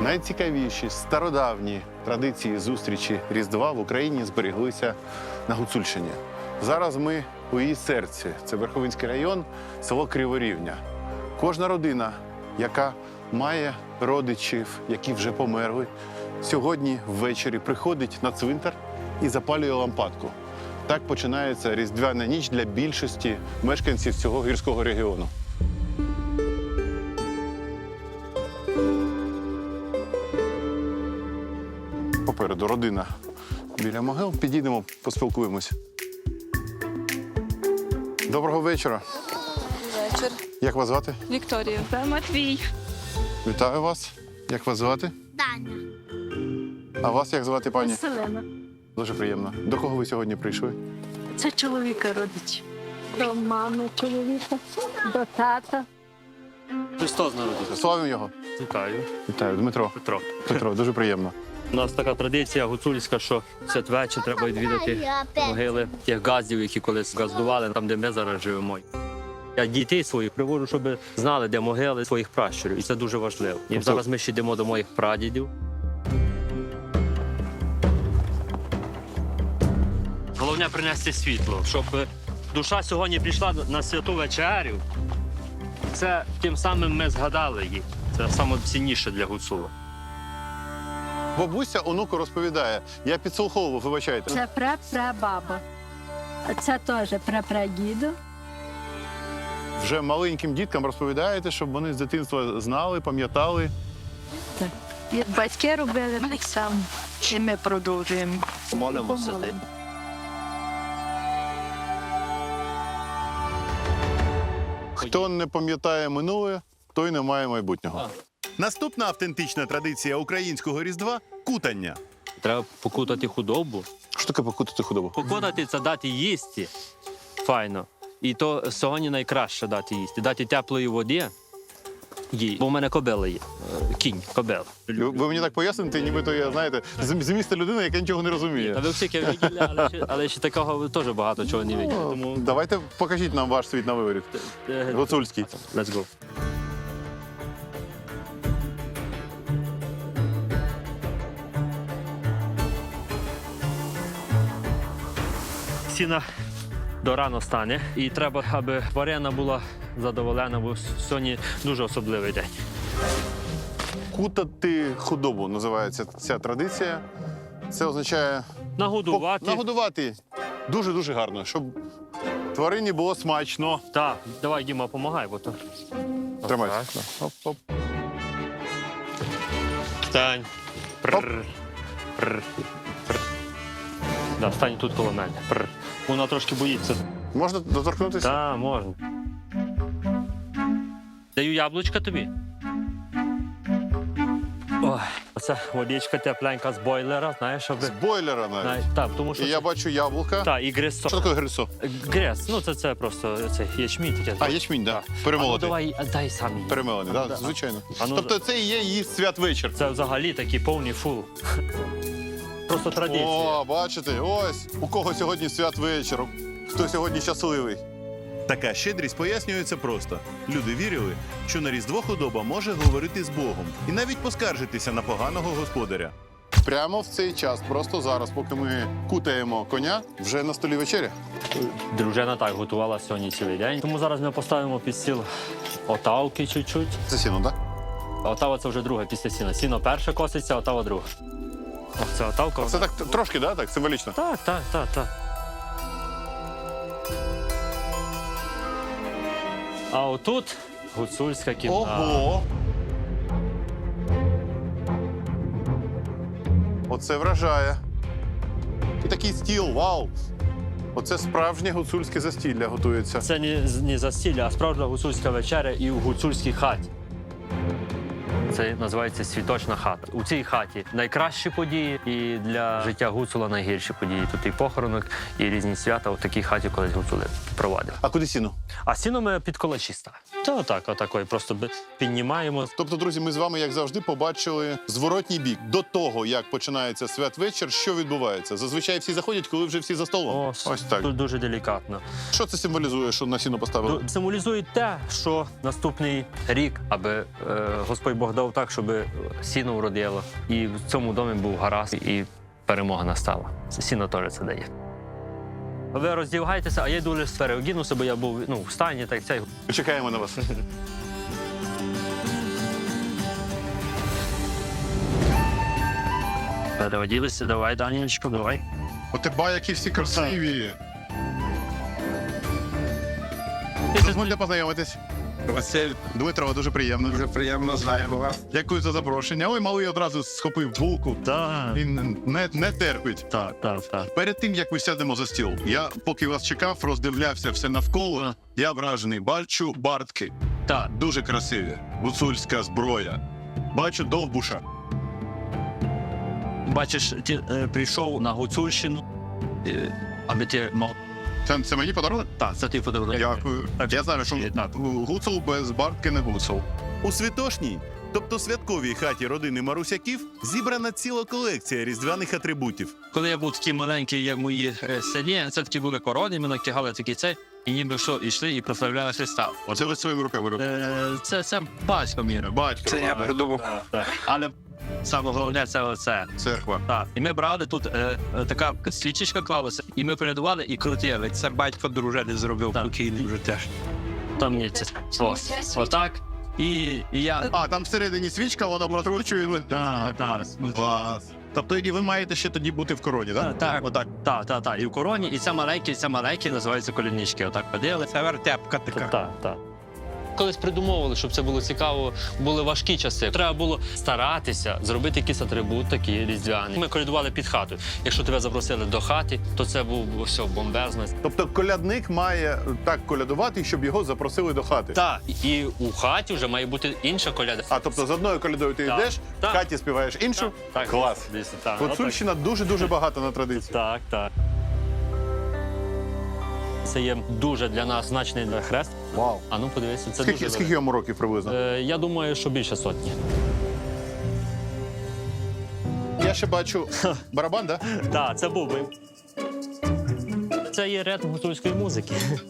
найцікавіші стародавні традиції зустрічі Різдва в Україні збереглися на Гуцульщині. Зараз ми у її серці. Це Верховинський район, село Криворівня. Кожна родина, яка має родичів, які вже померли, сьогодні ввечері приходить на цвинтар і запалює лампадку. Так починається різдвяна ніч для більшості мешканців цього гірського регіону. Попереду родина біля могил. Підійдемо, поспілкуємось. Доброго вечора. Вечір. Як вас звати? Вікторія. Це Матвій. Вітаю вас. Як вас звати? Таня. А вас як звати, пані? Селена. Дуже приємно. До кого ви сьогодні прийшли? Це чоловіка родич. До мами чоловіка, до тата. Христос народився. Славимо його. Вітаю. Вітаю, Дмитро. Петро. Петро, дуже приємно. У нас така традиція гуцульська, що святвечір треба відвідати могили тих газдів, які колись газдували, там, де ми зараз живемо. Я дітей своїх приводжу, щоб знали, де могили своїх пращурів. І це дуже важливо. І зараз ми ще йдемо до моїх прадідів. Головне принести світло, щоб душа сьогодні прийшла на святу вечерю. Це тим самим ми згадали її. Це найцінніше для гуцула. Бабуся онуку розповідає. Я підслуховував, вибачайте. Це прапрабаба. А це теж прапрадіду. Вже маленьким діткам розповідаєте, щоб вони з дитинства знали, пам'ятали. І батьки робили так само. І ми продовжуємо. Молимося. Хто не пам'ятає минуле, той не має майбутнього. Наступна автентична традиція українського Різдва – кутання. Треба покутати худобу. Що таке покутати худобу? Покутати – це дати їсти. Файно. І то сьогодні найкраще дати їсти. Дати теплої води їй. Бо в мене кобила є. Кінь, кобила. Ви мені так поясните, нібито я, знаєте, з міста людина, яка нічого не розуміє. Та ви всі виділи, але ще такого теж багато чого не виділи. Тому Давайте покажіть нам ваш світ на виворіт. Гуцульський. let's go. Сіна до рано стане, і треба, аби тварина була задоволена, бо сьогодні дуже особливий день. Кутати худобу називається ця традиція. Це означає Нагодувати. нагодувати дуже-дуже гарно, щоб тварині було смачно. Так, давай, Діма, помагай, бо то. Тримайся. Оп-оп. Стань. Прррр. Прррр. Прррр. Да, стань тут коло мене. Прррр. Вона трошки боїться. Можна доторкнутися? Так, можна. Даю яблучка тобі. Ой, оце водичка тепленька з бойлера, знаєш, щоб... З бойлера навіть. Так, тому що... І я бачу яблука. Так, і гресо. Що таке грисо? Грес, ну це просто це ячмінь таке. А, ячмінь, так. Ну, Перемолотий. давай, дай самі. Перемелений, так, Да. звичайно. А ну, Тобто це і є її святвечір. це взагалі такий повний фул. Просто традиція. О, бачите, ось у кого сьогодні святвечір, хто сьогодні щасливий. Така щедрість пояснюється просто. Люди вірили, що на Різдво худоба може говорити з Богом і навіть поскаржитися на поганого господаря. Прямо в цей час, просто зараз, поки ми кутаємо коня, вже на столі вечеря. Дружина так готувала сьогодні цілий день. Тому зараз ми поставимо під стіл отавки чуть-чуть. Це сіно, так? Отава це вже друге після сіна. Сіно перше коситься, отава друге. Ох, це отавка. Це так трошки, да? Так, символічно. Так. А отут гуцульська кімната. Ого! Оце вражає. І такий стіл, вау! Оце справжнє гуцульське застілля готується. Це не застілля, а справжня гуцульська вечеря і в гуцульській хаті. Це називається світочна хата. У цій хаті найкращі події і для життя гуцула найгірші події. Тут і похоронок, і різні свята у такій хаті колись гуцули провадили. А куди сіно? А сіно ми під колачі ставимо. Та отакої просто піднімаємо. Тобто, друзі, ми з вами, як завжди, побачили зворотній бік. До того, як починається святвечір, що відбувається? Зазвичай всі заходять, коли вже всі за столом. Ось так. Тут дуже делікатно. Що це символізує, що на сіно поставили? Символізує те, що наступний рік, аби Господь Бог дав так, щоб сіно вродило. І в цьому домі був гаразд, і перемога настала. Сіно теж це дає. Ви роздягайтеся, а я йду лише переодінуся, бо я був в стані, так цей. Чекаємо на вас. Переоділися, давай, Данілечко, давай. О, ти ба, які всі красиві. Дозвольте познайомитись. Василь, Дмитро, дуже приємно. дуже приємно знаємо вас. Дякую за запрошення. Ой, малий одразу схопив булку. Так, Він не терпить. так. Перед тим, як ми сядемо за стіл, я, поки вас чекав, роздивлявся все навколо. Я вражений. Бачу бартки. Так. Дуже красиві. Гуцульська зброя. Бачу довбуша. Бачиш, ти прийшов на Гуцульщину, аби ти мав. Це мені подарунок? Так, це ти подарунок. Дякую. Я знаю, що Так. гуцул без бартки не гуцул. У святошній, тобто святковій хаті родини Марусяків, зібрана ціла колекція різдвяних атрибутів. Коли я був такий маленький, як мої селі, це такі були корони, ми натягали такі цей, і ніби що, йшли і прославляли Христа. Оце ви своїми руками робите. Це батько мій робив. Батько. Це я придумав. Але саме головне це оце. Церква. Так. І ми брали тут така свічечка клалася, і ми передували і крутили. Це батько дружини зробив, покійний вже теж. Там є це. Отак. І я... А, там всередині свічка, вона прокручує. Так. Клас. Тобто і ви маєте ще тоді бути в короні, так? Так. Отак. Так. І в короні, і це маленькі називаються колінічки. Отак поділи. Це вертепка така. Так. Колись придумовували, щоб це було цікаво, були важкі часи. Треба було старатися зробити якийсь атрибут такий різдвяний. Ми колядували під хатою. Якщо тебе запросили до хати, то це був все бомбезно. Тобто колядник має так колядувати, щоб його запросили до хати. Так, і у хаті вже має бути інша коляда. А тобто з одною колядою ти Так. йдеш, в Так. хаті співаєш іншу. Так, Клас. дійсно, так. Гуцульщина дуже-дуже багата на традиції. Так. Це є дуже для нас значний хрест. Вау. А ну подивися, це Скільки дуже йому років приблизно? Я думаю, що більше сотні. Я ще бачу барабан, так? Так, це бубен. Це є ритм гуцульської музики.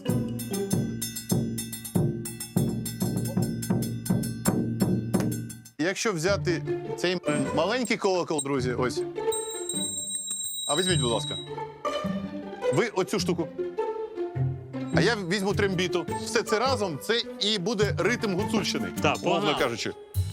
Якщо взяти цей маленький колокол, друзі, ось. А візьміть, будь ласка. Ви оцю штуку. А я візьму трембіту. Все це разом, це і буде ритм гуцульщини. Так, умовно погнали. кажучи.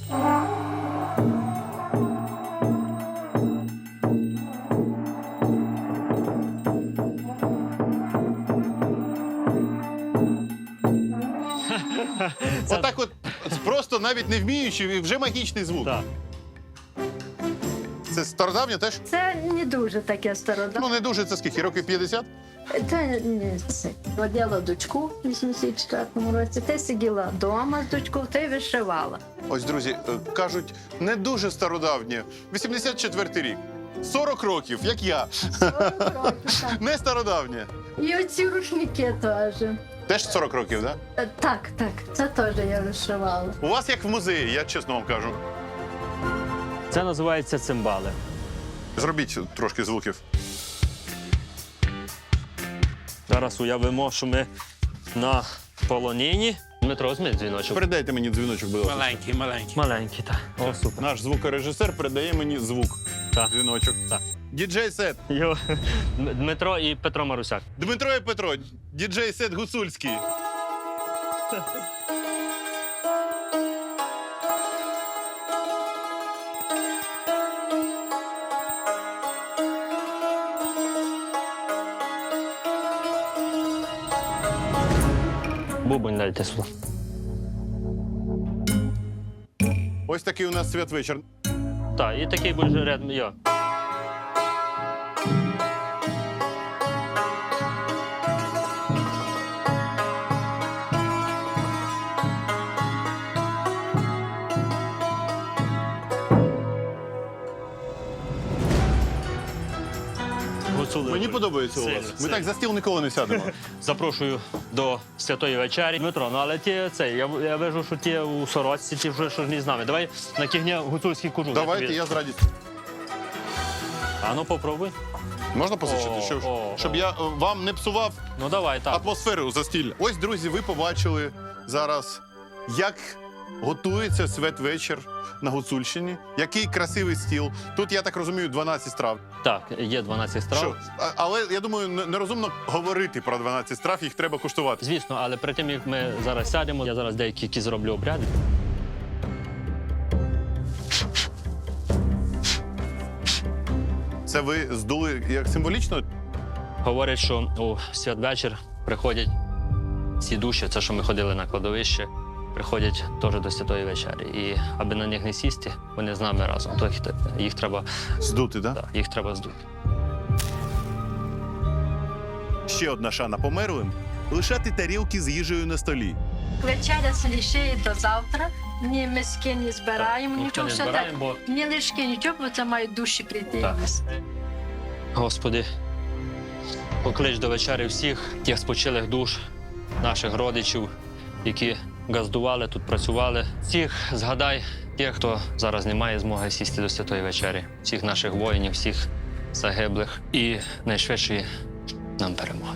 Отак от, просто навіть не вміючи, і вже магічний звук. Так. Це стародавнє теж? Це не дуже таке стародавнє. Ну, не дуже, це скільки? Років 50? Це не це. Родила дочку в 84-му році. Ти сиділа вдома з дочкою, ти вишивала. Ось, друзі, кажуть, не дуже стародавнє. 84-й рік. 40 років, як я. 40 років, так. Не стародавнє. І оці рушники теж. Теж 40 років, так? Да? Так, це теж я вишивала. У вас як в музеї, я чесно вам кажу. Це називається цимбали. Зробіть трошки звуків. Зараз уявимо, що ми на полонині. Дмитро, візьми дзвіночок. Передайте мені дзвіночок, будь ласка. Маленький. Маленький, так. О, супер. Наш звукорежисер передає мені звук. Так. Дзвіночок. Так. Діджей сет. Дмитро і Петро Марусяк. Дмитро і Петро. Діджей сет гуцульський. Бубонь дайте сюди. Ось такий у нас святвечір. Так, і такий буде ритм. Йо. Дуже Мені подобається у сильно, вас. Ми сильно. так за стіл ніколи не сядемо. Запрошую до святої вечері. Дмитро, ну але ті я вижу, що ті у сорочці, ті вже що ж не з нами. Давай на кігня гуцульський кожух. Давайте, я з радістю. А ну попробуй. Можна позичити? Щоб я вам не псував Ну давай, так. атмосферу застілля. Ось, друзі, ви побачили зараз, як готується святвечір на Гуцульщині. Який красивий стіл. Тут, я так розумію, 12 страв. Так, є 12 страв. Що? Але, я думаю, нерозумно говорити про 12 страв, їх треба куштувати. Звісно, але перед тим, як ми зараз сядемо, я зараз деякі які зроблю обряди. Це ви здули як символічно? Говорять, що у святвечір приходять ці душі, це що ми ходили на кладовище, приходять теж до святої вечері. І аби на них не сісти, вони з нами разом. То їх треба, Здути, так? да, їх треба здути. Ще одна шана померлим лишати тарілки з їжею на столі. Вечеря се лишає до завтра. Ні миски не збираємо, Ніхто нічого. не Все збираємо, бо так. Ні лишки, нічого, бо це мають душі прийти. Так. Господи, поклич до вечері всіх тих спочилих душ, наших родичів, які газдували, тут працювали. Всіх згадай тих, хто зараз не має змоги сісти до святої вечері. Всіх наших воїнів, всіх загиблих і найшвидшої нам перемоги.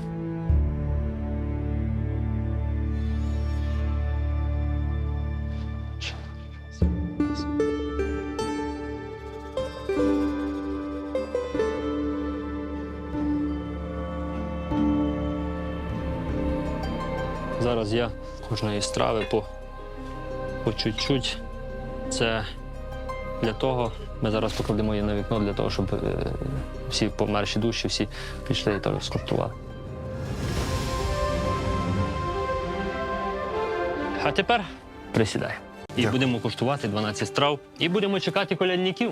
Зараз я кожної страви по чуть-чуть. Це для того, ми зараз покладемо її на вікно, для того, щоб всі померші душі, всі пішли і теж скуштували. А тепер присідай. І будемо куштувати 12 страв. І будемо чекати колядників.